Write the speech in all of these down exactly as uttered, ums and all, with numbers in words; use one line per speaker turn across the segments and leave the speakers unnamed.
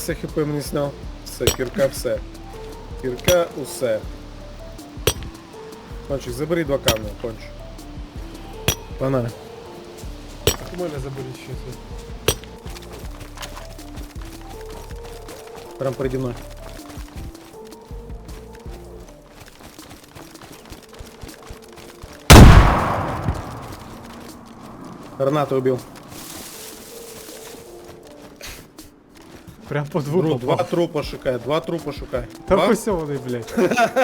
Все хп мені сняв. Все, кірка все. Кірка усе. Кончик, забери два камня, кончик. Погнали.
У мене заберіть ще це.
Прям переді мною. Гранату убил.
Прям по двуру.
Друг, два трупа шукай, два трупа шукай.
Та
Два?
ось вони, блядь.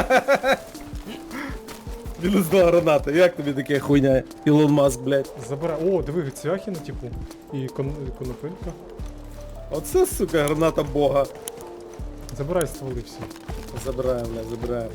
Мінус два граната. Як тобі таке хуйня? Ілон Маск, блядь.
Забирай. О, диви, цвяхи на типу. І кон... конопелька.
Оце, сука, граната бога.
Забирай стволи всі.
Забираємо, блядь, забираємо.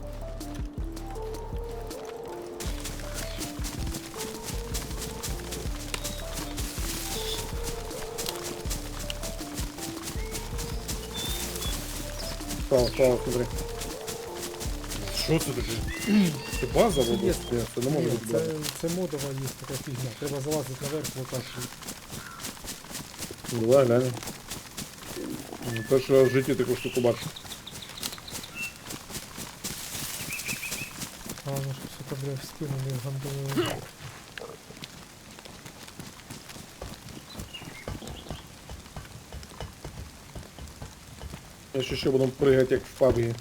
Справа, справа, смотри. Що це таке? Це база в області? Це не може
Ні,
бути
це,
база.
це модова є така фігня. Треба залазити наверх, локацію.
Ну, давай, глянь. Перший раз в житті таку штуку бачу.
Главное, щоб, сука, бля, в спину не гандонуло.
Я ще ще буду пригати, як в пабгі.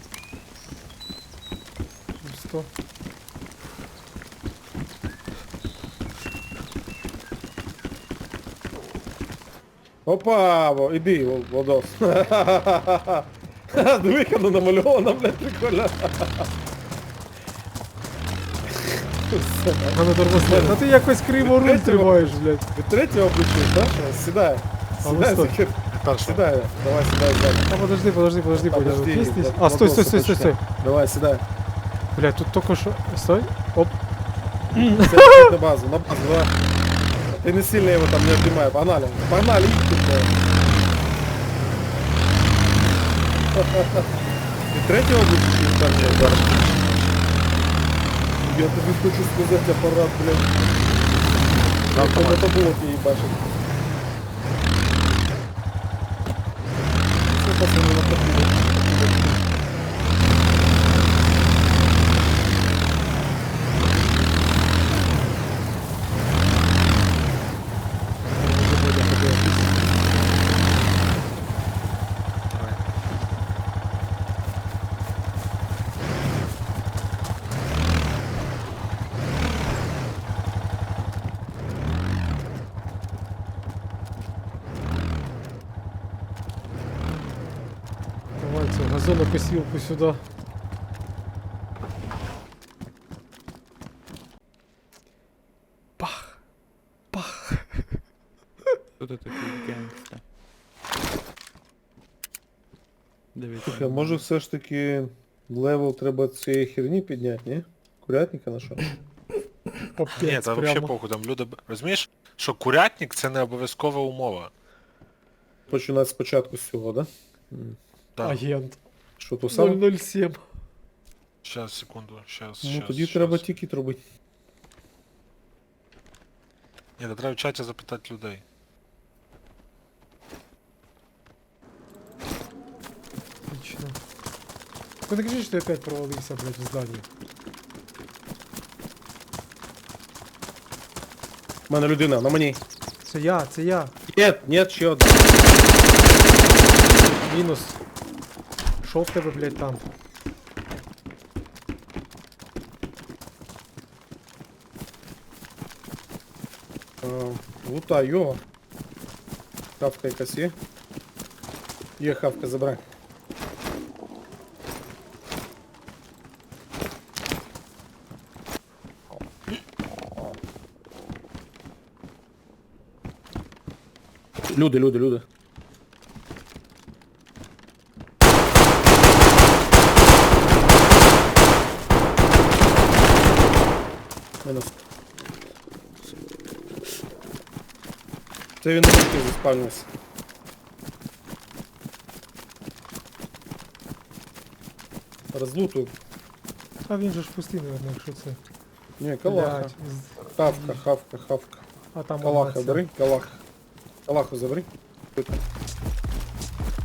сто.
Опа, во, іди, Вол- Владос. Диви, як воно намальовано, блядь, прикольно.
А ну тормозне. Та ти якось криво руль тримаєш, блядь.
Від третього включив, так? Сідай.
А ну
Сідай,
стой.
Захар. Сідай, давай, сідай, сідай.
А подожди, подожди, подожди, подожди.
Подожди,
Есть здесь?
Влад-
А, стой, стой,
Владоса
стой, стой, стой.
почекай. Давай, сідай.
Блядь, тут только что... Стой. Оп.
Це на базу, на базу, давай. Ты не сильно его там не отнимай, погнали. Погнали, идите, блядь. Ти третього будеш там не удар? Я тобі хочу сказати апарат, блядь. Я по мотоблокі її бачив. Це пацани на покиду.
Давай цю газонокосілку сюди. Пах. Пах.
Хто ти такий гангста? Дивіться.
Слухай, може все ж таки левел треба цієї херні підняти, ні? Курятника нашого?
По
Ні,
п'ять
це взагалі
прямо.
похуй, там люди... б- Розумієш, що курятник це не обов'язкова умова.
Починати спочатку з цього, да?
Так,
Агент.
Що то саме?
нуль нуль сім.
щас, секунду, щас,
Ну
щас,
тоді
щас.
треба тікет робити.
Ні, та треба в чаті запитати людей.
Отлично. Ну не кажи, що я опять провалився, блядь, в здании.
У мене людина, на мені.
Це я, це я.
Нет, нет, ще одна.
Мінус. Що в тебе, блядь, там?
Е, Лута, його. Хавка якась є. Є хавка, забирай. Люди, люди, люди. Мінус. Це він на мішки заспавнився. Розлутую.
А він же ж пустий, наверное, якщо це.
Ні, калаха.
Блядь, з-
Хавка, хавка, хавка.
А там
Калаха
одна ця.
бери, калах. Калаху забери. Тут.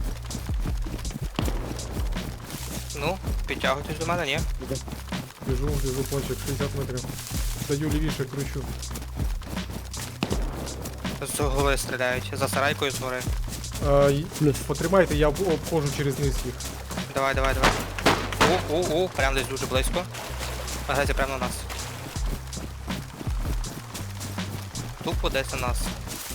Ну, підтягуйтесь до мене, ні?
Біжу, біжу, пончик, шістдесят метрів. Даю лівіше, кручу.
З голови стріляють, за сарайкою згори.
А, й- потримайте, я об- обходжу через низ їх.
Давай, давай, давай. У, у, у, прям десь дуже близько. Агресія прямо на нас. Тупо десь на нас.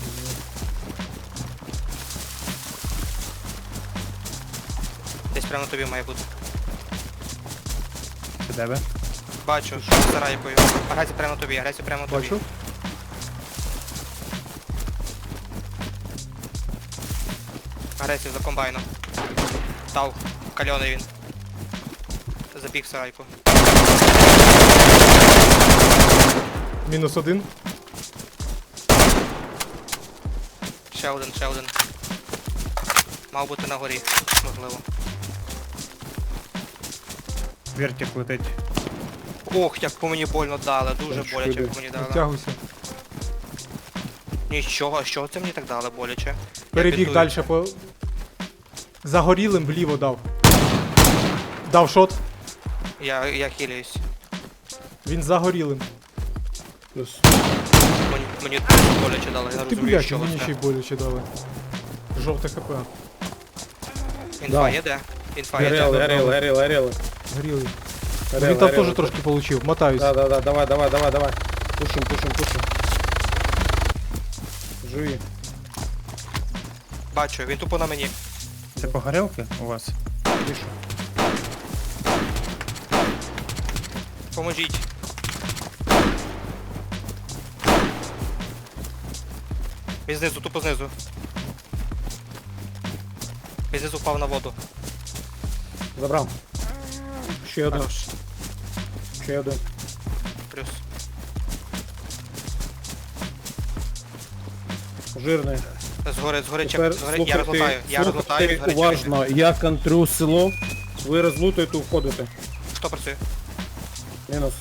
Десь прямо на тобі має бути.
Це тебе?
Бачу, за сарайкою. Агресія прямо на тобі, агресія прямо на тобі.
Бачу?
Агресію за комбайном. Дав. Кальоний він. Забіг в сарайку.
Мінус один.
Ще один, ще один. Мав бути на горі, можливо.
Вертик летить.
Ох, як по мені больно дали, дуже
Так,
боляче
шкода.
по мені дали.
Підтягуйся.
Нічого, а що це мені так дали боляче?
Перебіг
бідую.
далі по... Загорілим вліво дав. Дав шот.
Я, я хилююсь.
Він загорілим.
Плюс.
Мені, мені дуже боляче дали, я
Ти,
розумію,
блядь,
що
мені ще й
це.
боляче дали. Жовте хп.
Інфа
Да.
є де? Інфа є де?
Горели, горели, горели, горели.
Горілий.
Горели,
Він там
горели.
теж трошки получив. Мотаюсь.
Да, да, да, давай, давай, давай, давай. Пушим, пушим, пушим. Живи.
Бачу, він тупо на мені.
Це по горілки у вас?
Тише.
Поможіть. Він знизу, тупо знизу. Він знизу впав на воду.
Забрав. Ще один,
Хорош.
ще один.
Плюс.
Жирний.
Згори, згори, чек,
Тепер
згори, я розлутаю, я розлутаю,
слухайте
згори чекайте.
уважно. Я контрю село. Ви розлутуєте, входите.
Хто працює?
Мінус.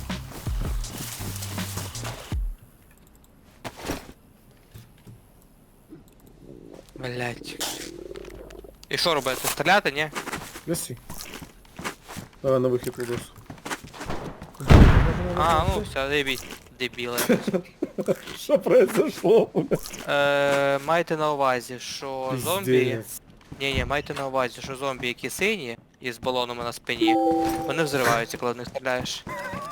Блять. І що робити? Стріляти, ні?
Гаси. Давай на вихід відос.
А, ну все, дебіть. Дебіли.
Що произошло?
Е, майте на увазі, що зомбі...
Пиздец.
Ні-ні, майте на увазі, що зомбі, які сині, і з балонами на спині, вони взриваються, коли в них стріляєш.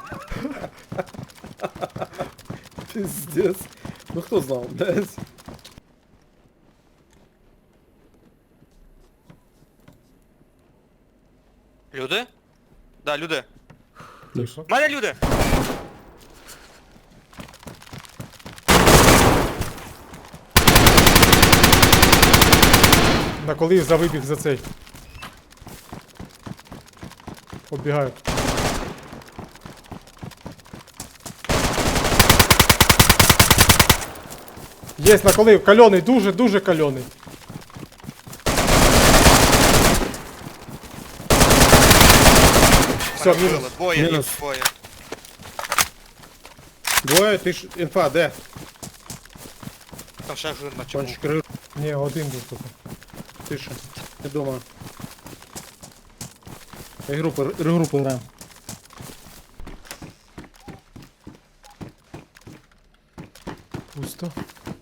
Пиздец. Ну хто знав, десь.
Люди? Да, люди.
Тихо.
У мене люди!
На коли за вибіг за цей. Оббігаю. Єсть на коли, кальоний, дуже, дуже кальоний. Все,
Мене
мінус.
вбили. Двоє,
Мінус.
їх, двоє.
Двоє, ти ж інфа, де?
Там ще жирна чому.
Кончик рир,
Ні, один був тут.
тише. Ти дома. Регрупи, регрупи граємо.
Пусто.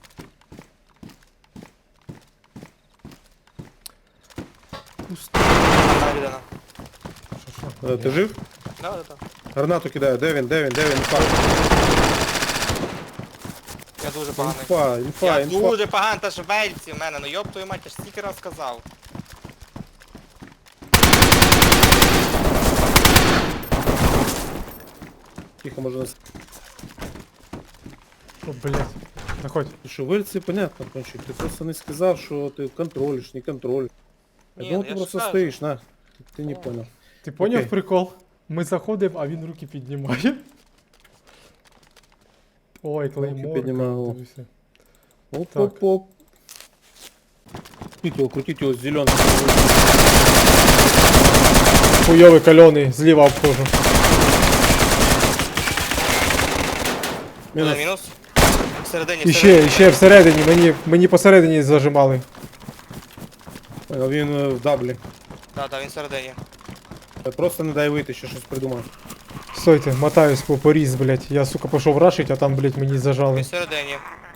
Пусто.
Одна людина.
Що, що?
Е, Ти жив?
Да, да, да.
Гранату кидаю, де він, де він, де він, інфа.
Я дуже поганий.
Інфа, інфа,
Я
інфа.
дуже поганий, та ж вельці в мене, ну йоб твою мать, я ж стільки раз сказав.
Тихо, може нас.
О, блядь. Заходь.
Що, вильці, понятно, кончик. Ти просто не сказав, що ти контролиш, не контролиш. Я
Ні,
думав,
ну
ти
я ж
просто
скажу.
стоїш, на. Ти не понял.
Ти поняв
Окей.
прикол? Ми заходимо, а він руки піднімає. Ой, клеймор.
піднімав.
дивися.
Оп-оп-оп. Крутіть його, крутіть його, зелений.
Хуйовий кальоний, зліва обхожу.
Мінус.
Мінус.
Мінус. Всередині,
І
всередині.
ще, і ще всередині, мені, мені посередині зажимали.
Понял, він е, в даблі.
Да, да, він всередині.
Просто не дай вийти, ще щось придумаю.
Стойте, мотаюсь по поріз, блядь. Я, сука, пішов рашить, а там, блядь, мені зажали.
Він всередині.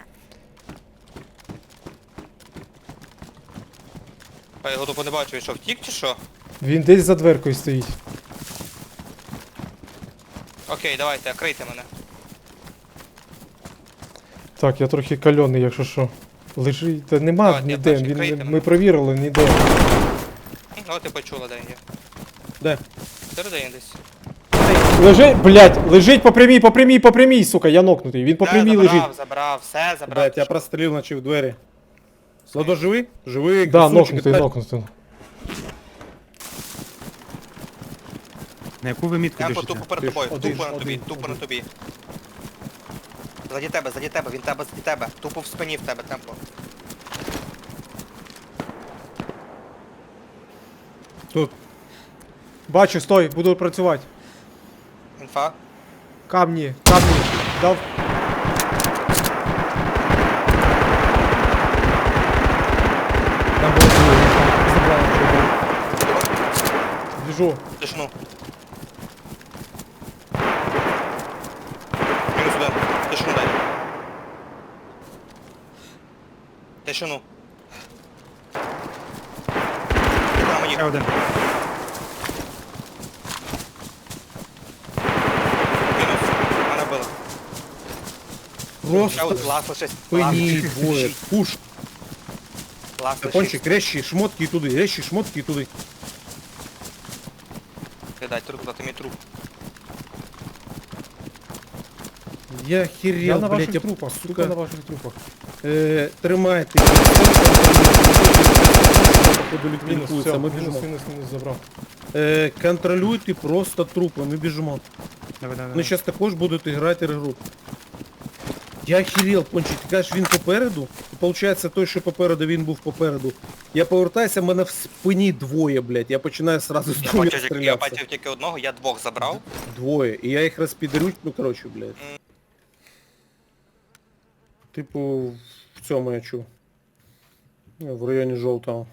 А його тупо не бачу, він що, втік чи що?
Він десь за дверкою стоїть.
Окей, давайте, крийте мене.
Так, я трохи кальоний, якщо що. Лежить. Та нема
Давайте, я
ніде.
перший,
Він,
крийте
ми
мене.
провірили, ніде.
Ну, ти почула, де він є.
Де?
Всередині десь.
Лежить, блядь, лежить по прямій, по прямій, по прямій, сука, я нокнутий. Він по
Та,
прямій
забрав,
лежить.
забрав, все, забрав.
Блять, я прострілив, наче в двері. Ладо, живий? Живий,
Да,
красунчик,
нокнутий,
так.
нокнутий.
На яку ви мітку
Темпо
біжите?
тупо перед
Ти ж
тобою,
один,
тупо на
один,
тобі, тупо на тобі. Заді тебе, заді тебе, він тебе, заді тебе. Тупо в спині в тебе, темпо.
Тут.
Бачу, стой, буду працювати.
Інфа.
Камні, камні. Дав.
Там було двоє, забрали.
Біжу.
Тишину. Мінус один. Тишину дай. Тишину. На мені.
Ще один.
Мінус. Мене били. Ще
Просто
один. Лас лишись. Лас
пині
лишись.
двоє. Пуш.
Лас лишись.
Кончик, рещі, шмотки і туди, рещі, шмотки і туди.
Дай труп, дати мій труп.
Я
Я
херел,
на
блять,
ваших
я,
трупах, сука, на
сука,
ваших трупах.
е, тримайте. Походу
Мінус,
ліквідується,
все,
ми
мінус,
біжимо.
мінус, мінус забрав.
Е, контролюйте просто трупи, ми біжимо.
Давай, давай.
Вони зараз також будуть грати регру. Я охерел, Пончик, ти кажеш, він попереду? І виходить, той, що попереду, він був попереду. Я повертаюся, в мене в спині двоє, блядь. Я починаю сразу з
Я
двоє
бачив, тільки- я
стрілятися.
бачив тільки одного, я двох забрав.
Двоє. І я їх розпідарю, ну коротше, блядь. Типу, в цьому я чув. Ну, в районі жовтого.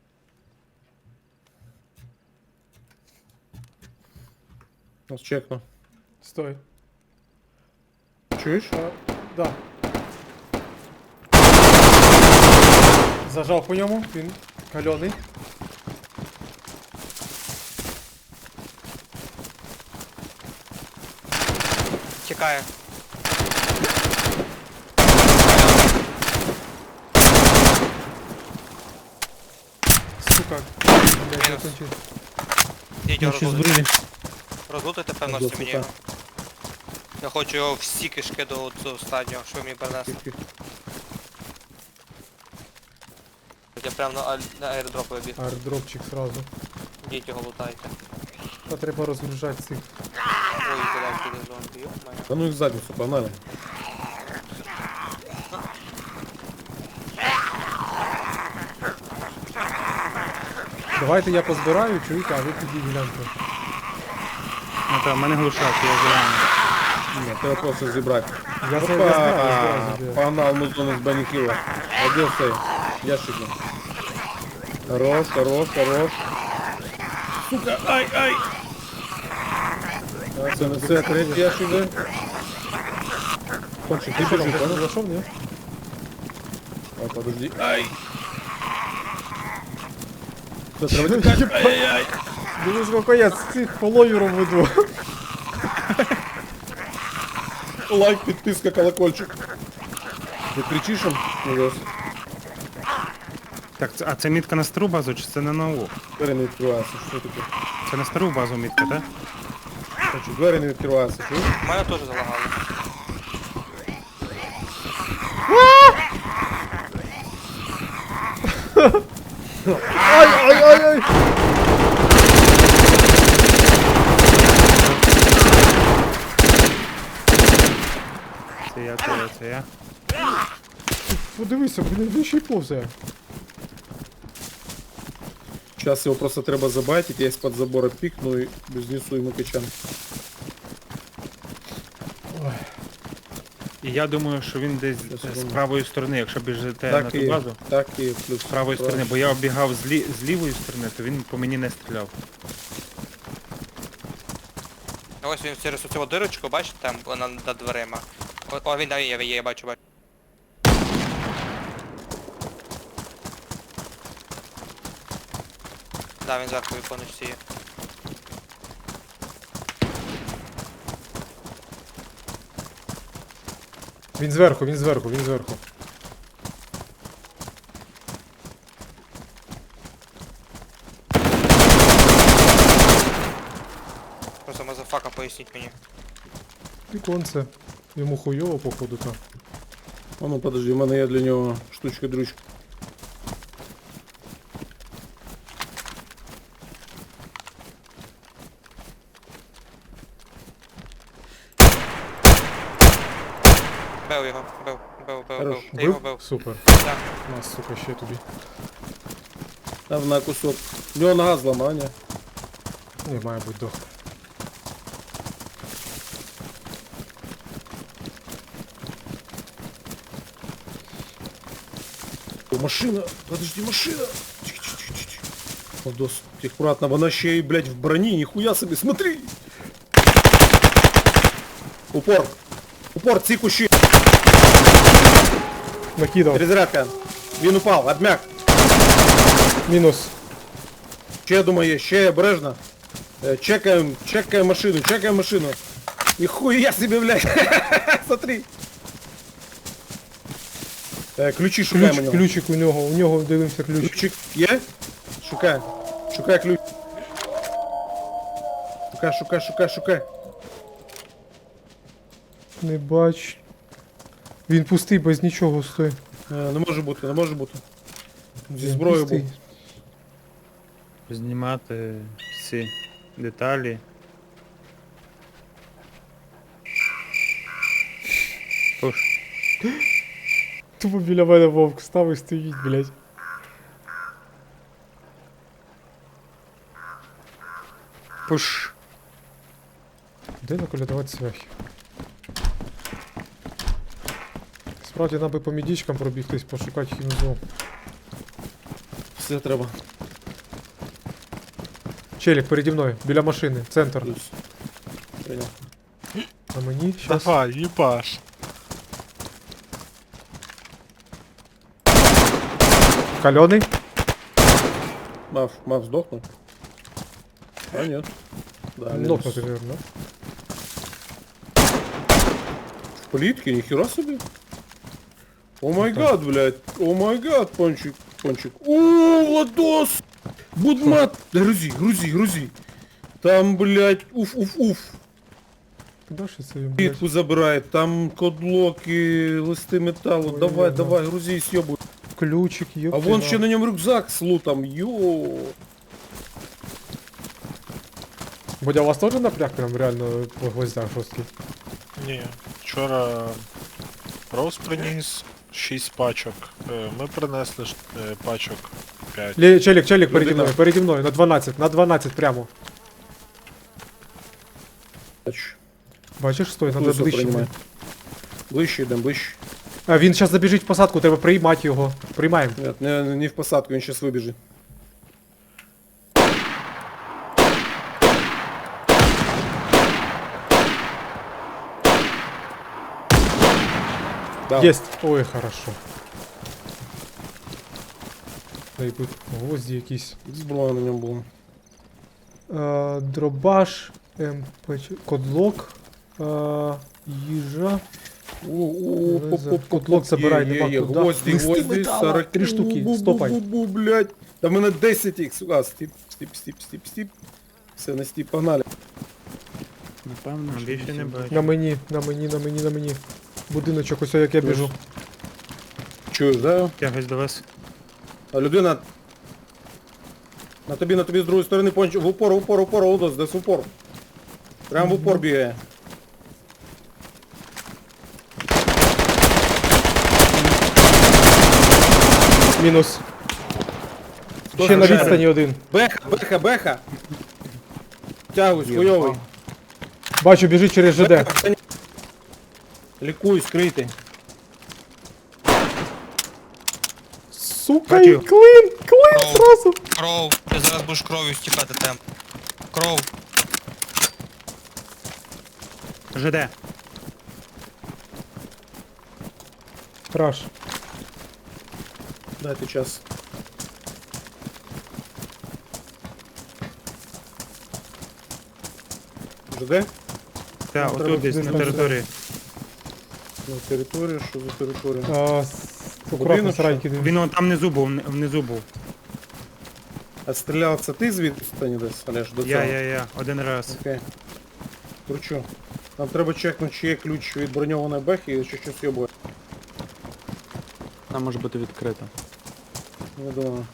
Ось чекну.
Стой.
Чуєш?
А, да. Зажав по ньому, він кальоний.
Тікає.
Сука. Блядь, я кончив.
Діть його
Ще
розлутити.
збрили.
Розлутити, певно,
До
що мені
сука.
його. Я хочу його всі кишки до цього останнього, що ви мені принесли. Я прям на, аль- на аеродроп вибіг.
Аердропчик сразу.
Діть його лутайте.
Та треба розгружати цих.
Ой, куди піде зомбі, йо-моє.
Да ну их в задницу, погнали.
Давайте я позбираю, чуєте, а ви тоді гляньте.
Ну так, в мене глушак, я зелений.
Нет, треба просто зібрати.
Я
Опа,
це я знаю, я збираю, збираю.
погнал музон из баникила. А где стоит? Ящик. Хорош, хорош, хорош. Сука, ай, ай! А, це не це, третій ящик, да? Кончик, ти біжи,
Ти
понял?
зайшов, ні?
А, подожди. Ай! Що, треба тікати? Ай-яй!
Дивись, скільки я з цих фоловером веду.
Лайк, підписка, колокольчик. Ти кричиш їм? Ужас.
Так, це- а це мітка на стару базу чи це на нову?
Двері не відкриваються, що таке?
Це на стару базу мітка, так?
Короче, двері не відкриваються, чуєш?
У мене теж залагало.
Ай, ай, ай, ай!
Це я, це я, це я.
Подивися, блін, він ще й повзає.
Сейчас его просто треба забайтить, я из-под забора пикну и разнесу ему качан.
І я думаю, що він десь
Щас я
з
думаю.
правої сторони, якщо біжите на
Так
ту
и,
базу,
так и плюс.
з правої сторони, бо я оббігав з, лі... з лівої сторони, то він по мені не стріляв.
А ось він через оцю дирочку, бачите, там вона над дверима. О, о він там є, є, я бачу, бачу. Да, він зверху віконечці є.
Він зверху, він зверху, він зверху.
Просто мазафака, поясніть мені.
Віконце. Йому хуйово, походу, там.
А ну подожди, у мене є для нього штучка-дрючка.
Бив його, бив, бив, бив,
Хорош.
бив. Ти його
Бив?
бив.
Супер.
Так.
Нас, сука, ще тобі.
Там на кусок. У нього нога зламання.
Не, має бути дох.
О, машина! Подожди, машина! Тихо-тихо-тихо. Владос, аккуратно, вона ще й, блядь, в броні, ніхуя собі, смотри! Упор! Упор, ці кущі!
Накидав.
Перезарядка! Він упав, обмяк!
Мінус.
Ще, я думаю, є, ще обережно. Е, Чекаємо, чекаємо машину, чекаємо машину. Ніхуя собі, блядь! Смотри! Е, Ключі шукаємо.
Ключ,
у нього.
ключик у нього, у нього дивимося ключ.
Ключик є? Шукай. Шукай ключ. Шукай, шукай, шукай, шукай.
Не бач. Він пустий, без нічого стоїть.
Е, Не може бути, не може бути. Зі зброєю
Пустий.
був.
Знімати всі деталі. Пуш.
Тупо біля мене вовк став і стоїть, блядь.
Пуш.
Де наколядувати свяхи? Справді нам би по мідічкам пробігтись, пошукати хімзу.
Все треба.
Челік, переді мною, біля машини, центр.
Плюс. Прийняв.
А мені щас.
Давай, їбаш.
Кальоний?
Мав, мав здохнув. А ні. Да, мінус.
Нокнути, вірно.
В політки, ніхера собі. О май гад, блядь. О май гад, пончик, пончик. О, Владос! Будмат! Да грузи, грузи, грузи. Там, блядь, уф, уф, уф.
Куди ж це він, блядь?
Клітку забирає, там кодлоки, листи металу.
Ой,
давай,
ага.
давай, грузи і сьобуй.
Ключик,
А
ёпти.
вон ще на ньому рюкзак з лутом, йо.
Бодя, у вас теж напряг прям реально по гвоздях жорсткий?
Ні. Вчора Роуз приніс шість пачок. Е, Ми принесли ж, е, пачок п'ять.
Лє, челік, челік, переді
Людина.
мною, переді мною, на дванадцять, на дванадцять прямо. Бачиш, стой, надо
Плюсу
ближче.
приймай. Ближче йдемо, ближче.
А, він зараз забіжить в посадку, треба приймати його. Приймаємо.
Нет, не, не в посадку, він зараз вибіжить. Да.
Єсть. Ой, хорошо. Дай тут гвозді якісь.
Зброя на ньому була.
Е, дробаш, МП, кодлок, е, їжа.
О,
Е, за- котлок забирай, нема куди.
Гвозді,
Листи
гвозді,
металу.
сорок.
Три штуки,
Бу-бу-бу-бу,
стопай.
блядь. Та в мене десять їх, сука. Стіп, стіп, стіп, стіп, стіп. Все, на стіп, погнали.
Напевно, більше не бачу.
На мені, на мені, на мені, на мені. Будиночок, ось як я біжу.
Чуєш, да?
Тягось до вас.
А людина... На тобі, на тобі з другої сторони понч... В упор, в упор, в упор, Олдос, десь в упор. Прям в упор бігає.
Мінус.
Хто
Ще на
стріляє?
відстані один.
Беха, беха, беха. Тягусь, хуйовий.
Бачу, біжить через ЖД.
Беха, та ні. Лікуй, скритий.
Сука,
Бачу.
і клин, клин
Кров.
зразу.
Кров, ти зараз будеш кров'ю стікати темп. Кров.
ЖД.
Раш.
Дайте час. ЖД?
Так,
Ну,
отут
треба
десь
туди
на
там
території.
На територію, що за територія?
А, с- акуратно
Будинок,
сараньки. дивись.
Він он там внизу був, вни- внизу був.
А стріляв це ти звідси не десь, Олеж, до цього?
Я, я, я, один раз.
Окей. Кручу. Нам треба чекнути, чи є ключ від броньованої бехи, чи щось йобує.
Там може бути відкрито.
Не думаю.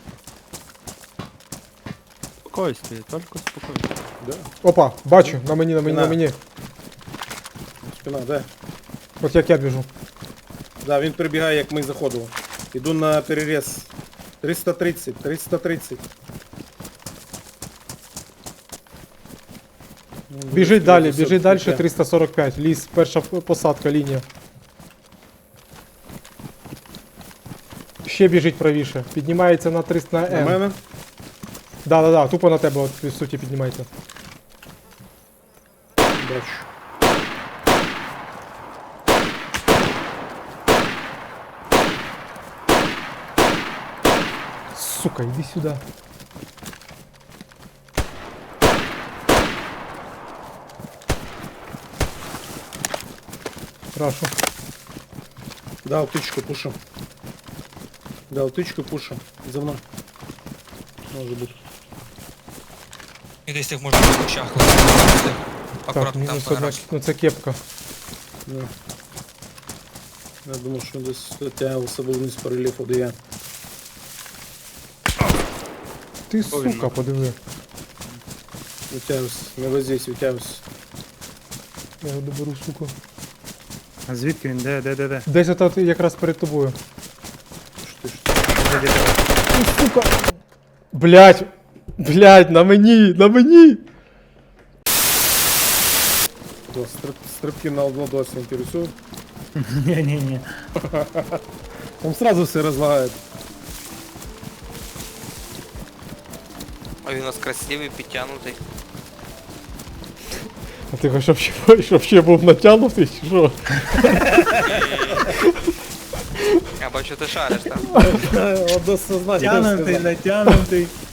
Спокойствие, тільки спокойствие.
Да?
Опа, бачу, на мені, на мені, на
На.
мені.
Спина, де?
От як я біжу.
Да, він прибігає, як ми заходили. Іду на переріз. триста тридцять, триста тридцять.
Біжить далі, біжить
біжить
далі, триста сорок п'ять. Ліс, перша посадка, лінія. Ще біжить правіше. Піднімається на триста на
На
М.
мене?
Да, да, да, тупо на тебе, от, в суті, піднімається.
Бачу.
Сука, іди сюди. Рашу.
Дав тичку, пушу. Дав тичку, пушу. За мною. Може бути.
І десь їх можна в кущах лишити.
Так,
Акуратно там
мінус одна.
понараж.
Ну це кепка.
Да. Я думав, що десь тягався був вниз по рельєфу, де я.
Ти сука, подиви.
Витягився. Не возись, витягився.
Я його доберу, сука.
А звідки він? Де, де, де, де?
Десь отут якраз перед тобою.
Що ти, що ти?
Де, де, де?
Ну, сука. Блять! Блять, на мені! На мені!
Да, стрип, стрибки на одну досі інтересують.
Ні, ні, ні.
Там сразу все розлагает.
А він у нас красивий, підтягнутий.
А ти хочеш, щоб ще, щоб ще був натягнутий, чи що?
Я бачу, ти шариш там.
Одно сознання.
Тянутий, натянутий.